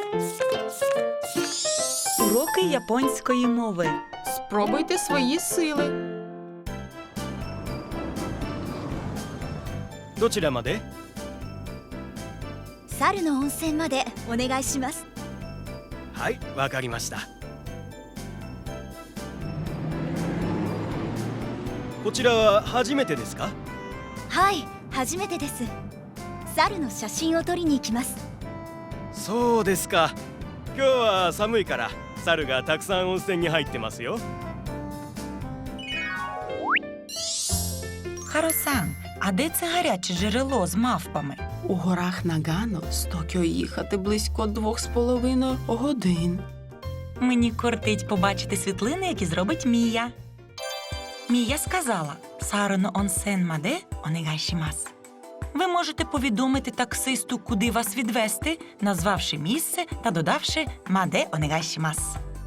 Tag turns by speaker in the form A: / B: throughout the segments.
A: Уроки японської мови.
B: Спробуйте свої сили.
C: どちらまで？
D: 猿の温泉までお願いします。
C: はい、わかりました。こちらは初めてですか？
D: はい、初めてです。猿の写真を撮りに行きます。
C: そうですか。今日は寒いから猿がたくさん温泉に入ってますよ。
A: Харо-сан, а де це гаряче джерело з мавпами?
B: У горах Нагано з Токіо їхати близько 2,5 годин.
A: Мені кортить побачити світлини, які зробить Мія. Мія сказала «Сароно онсен маде онегайшімас». Ви можете повідомити таксисту, куди вас відвезти, назвавши місце та додавши «маде онегайшімас».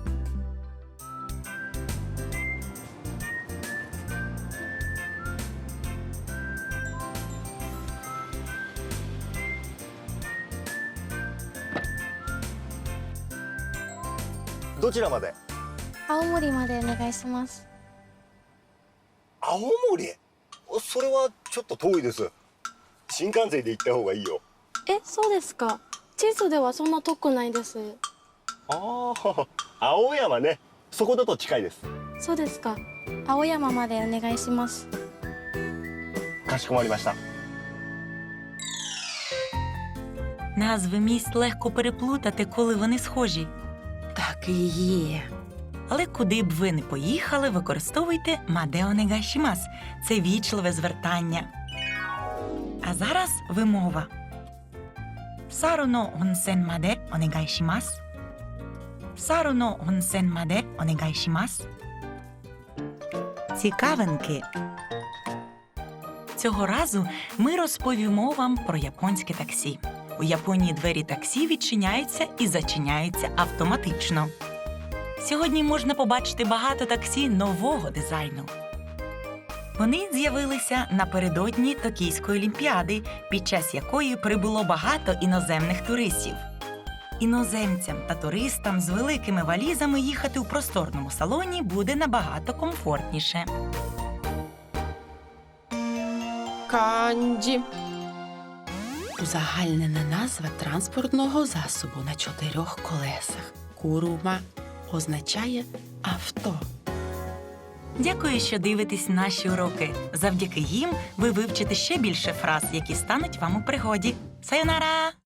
E: どちらまで？
F: 青森までお願いします。
E: 青森？それはちょっと遠いです。新幹線で行った方がいいよ。
F: え、そうですか。地図ではそんな遠くないです。
E: ああ、青山ね。そこだと近いです。
F: そうですか。青山までお願いします。
E: かしこまりました。
A: Назви міст легко переплутати, коли вони схожі.
B: Так і є.
A: Але куди б ви не поїхали, використовуйте «маде онегайшімас». Це вічливе звертання. А зараз вимова. «Сароно онсен маде онегайшімас». «Сароно онсен маде онегайшімас». Цікавинки. Цього разу ми розповімо вам про японське таксі. У Японії двері таксі відчиняються і зачиняються автоматично. Сьогодні можна побачити багато таксі нового дизайну. Вони з'явилися напередодні Токійської олімпіади, під час якої прибуло багато іноземних туристів. Іноземцям та туристам з великими валізами їхати у просторному салоні буде набагато комфортніше.
B: Канджі. Узагальнена назва транспортного засобу на 4 колесах. Курума означає авто.
A: Дякую, що дивитесь наші уроки. Завдяки їм ви вивчите ще більше фраз, які стануть вам у пригоді. Сайонара!